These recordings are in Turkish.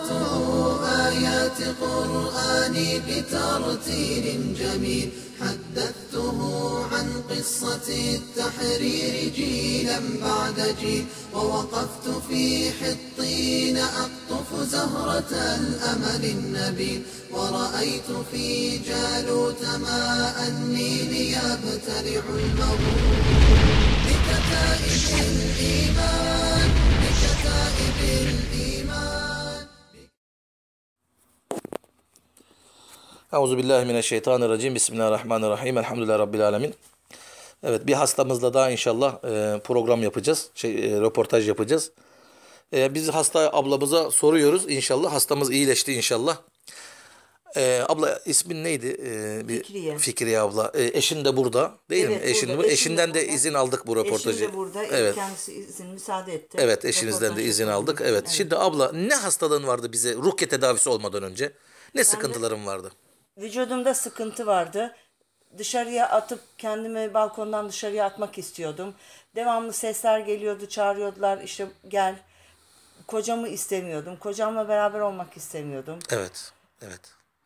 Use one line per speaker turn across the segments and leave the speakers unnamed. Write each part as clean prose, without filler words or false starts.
أسمعت آيات قرآني بترتيل جميل حدثته عن قصة التحرير جيلا بعد جيل ووقفت في حطين أقطف زهرة الأمل النبيل ورأيت في جالوت ماء النيل يبتلع المغول بكتائب الإيمان بكتائب الإيمان.
Euzubillahimineşşeytanirracim. Bismillahirrahmanirrahim. Elhamdülillahi Rabbil alemin. Evet, bir hastamızla daha inşallah program yapacağız. Röportaj yapacağız. Biz hasta ablamıza soruyoruz inşallah. Hastamız iyileşti inşallah. Abla ismin neydi?
Fikriye.
Fikriye abla. Eşin de burada değil mi? Eşinden de izin aldık bu röportajı.
Eşim de burada.
Evet.
Kendisi izin müsaade etti.
Evet, eşinizden de izin aldık. Evet. Şimdi abla ne hastalığın vardı bize rukiye tedavisi olmadan önce? Ne sıkıntıların vardı?
Vücudumda sıkıntı vardı. Dışarıya atıp kendimi balkondan dışarıya atmak istiyordum. Devamlı sesler geliyordu, çağırıyordular işte gel. Kocamı istemiyordum. Kocamla beraber olmak istemiyordum.
Evet. Evet.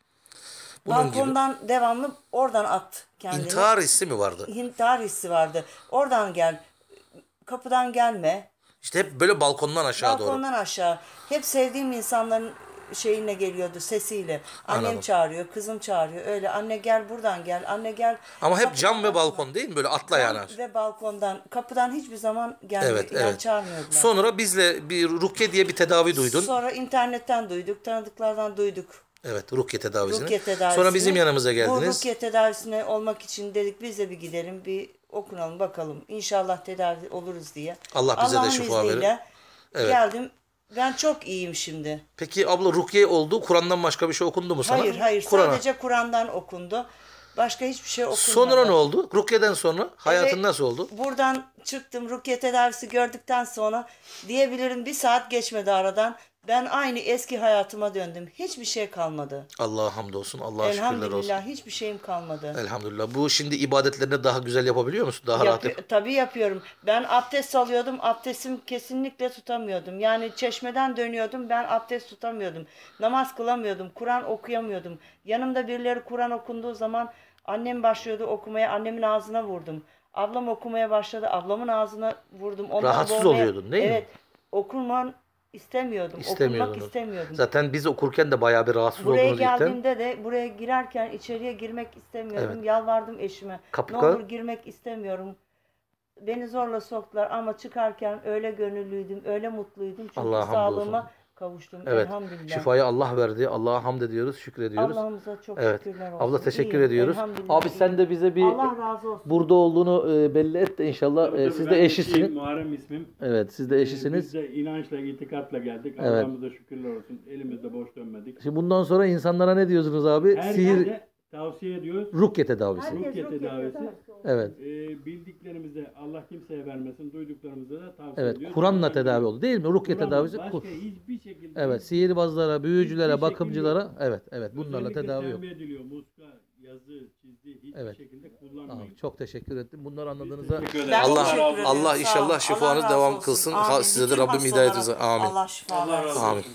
Balkondan devamlı oradan at kendini.
İntihar hissi mi vardı?
İntihar hissi vardı. Oradan gel. Kapıdan gelme.
İşte hep böyle balkondan aşağı doğru.
Balkondan aşağı. Hep sevdiğim insanların şeyine geliyordu, sesiyle. Annem
Anladım.
çağırıyor, kızım çağırıyor. Öyle anne gel buradan gel, anne gel.
Ama hep
Kapıdan
cam ve
atma.
balkon değil mi? Böyle atla yani.
Ve balkondan, kapıdan hiçbir zaman gelmiyor.
Evet,
Yani
evet.
çağırmıyordular.
Sonra bizle bir rukiye diye bir tedavi duydun.
Sonra internetten duyduk, tanıdıklardan duyduk.
Evet, rukiye tedavisini.
Rukiye tedavisini.
Sonra bizim yanımıza
Bu
geldiniz.
rukiye tedavisine olmak için dedik biz de bir gidelim, bir okunalım bakalım. İnşallah tedavi oluruz diye.
Allah bize de
Allah'ın
şifa
izniyle
verir. Evet.
geldim. Ben çok iyiyim şimdi.
Peki abla rukiye oldu. Kur'an'dan başka bir şey okundu mu sana?
Hayır.
Kur'an'a.
Sadece Kur'an'dan okundu. Başka hiçbir şey okunmadı.
Sonra ne oldu? Rukiye'den sonra hayatın
Evet,
nasıl oldu?
Buradan çıktım. Rukiye tedavisi gördükten sonra diyebilirim bir saat geçmedi aradan. Ben aynı eski hayatıma döndüm. Hiçbir şey kalmadı.
Allah'a hamdolsun. Allah'a şükürler olsun.
Elhamdülillah hiçbir şeyim kalmadı.
Elhamdülillah. Bu şimdi ibadetlerini daha güzel yapabiliyor musun? Daha rahat yap.
Tabii yapıyorum. Ben abdest alıyordum. Abdestimi kesinlikle tutamıyordum. Yani çeşmeden dönüyordum. Ben abdest tutamıyordum. Namaz kılamıyordum. Kur'an okuyamıyordum. Yanımda birileri Kur'an okunduğu zaman annem başlıyordu okumaya. Annemin ağzına vurdum. Ablam okumaya başladı. Ablamın ağzına vurdum. Onlar
Rahatsız oluyordun değil mi?
Evet. Okunman istemiyordum. Okunmak istemiyordum.
Zaten biz okurken de bayağı bir rahatsız
Buraya
oldunuz ilkten.
geldiğimde de buraya girerken içeriye girmek istemiyordum.
Evet.
Yalvardım eşime.
Kapı
Ne olur girmek istemiyorum. Beni zorla soktular ama çıkarken öyle gönüllüydüm, öyle mutluydum. Çünkü
Allah'a hamdolsun.
sağlığıma kavuştum.
Evet.
Elhamdülillah.
Şifayı Allah verdi. Allah'a hamd ediyoruz, şükrediyoruz.
Allah'ımıza çok
Evet.
şükürler olsun.
Abla teşekkür
İyiyim,
ediyoruz.
elhamdülillah,
Abi sen de bize bir
Allah razı olsun.
burada olduğunu belli et de inşallah.
Tabii,
Siz
ben
de eşisiniz.
Muharrem ismim.
Evet, siz de eşisiniz.
Biz de inançla, itikatla geldik.
Evet.
Allah'ımıza şükürler olsun. Elimizde boş dönmedik.
Şimdi bundan sonra insanlara ne diyorsunuz abi? Sihir,
Herkese tavsiye ediyoruz.
rukiye tedavisi.
Herkes
Rukiye
rukiye
tedavisi.
Evet.
Bildiklerimizi Allah kimseye vermesin. Duyduklarımızı da tavsiye
Evet.
ediyoruz.
Kur'an'la tedavi oldu değil mi? Rukiye
Kur'an,
tedavisi.
başka hiçbir şekilde.
Evet. Sihirbazlara, büyücülere,
Hiçbir
bakımcılara.
şekilde
Evet. Evet. Bunlarla
özellikle
tedavi yok.
tembih ediliyor. Muska, yazı, çizgi hiçbir
Evet.
şekilde kullanmayın.
Abi, çok teşekkür ettim. Bunları anladığınızda
Teşekkür ederim.
Ben
Allah
teşekkür ederim.
Allah
Sağ olun.
inşallah
Allah
şifanız
razı
devam
olsun.
kılsın.
Amin.
Size de
Bütün
Rabbim hidayet versin.
hastalara
Amin.
Allah şifa
Allah razı
versin.
olsun.
Amin.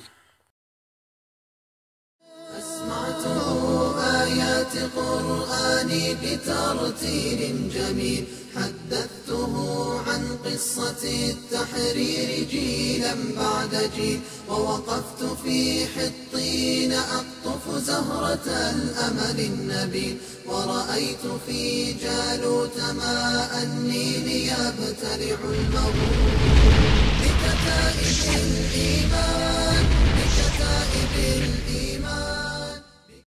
أسمعت آيات قرآني بترتيل جميل حدثته عن قصة التحرير جيلا بعد جيل ووقفت في حطين أقطف زهرة الأمل النبيل ورأيت في جالوت ماء النيل يبتلع المغول بكتائب الإيمان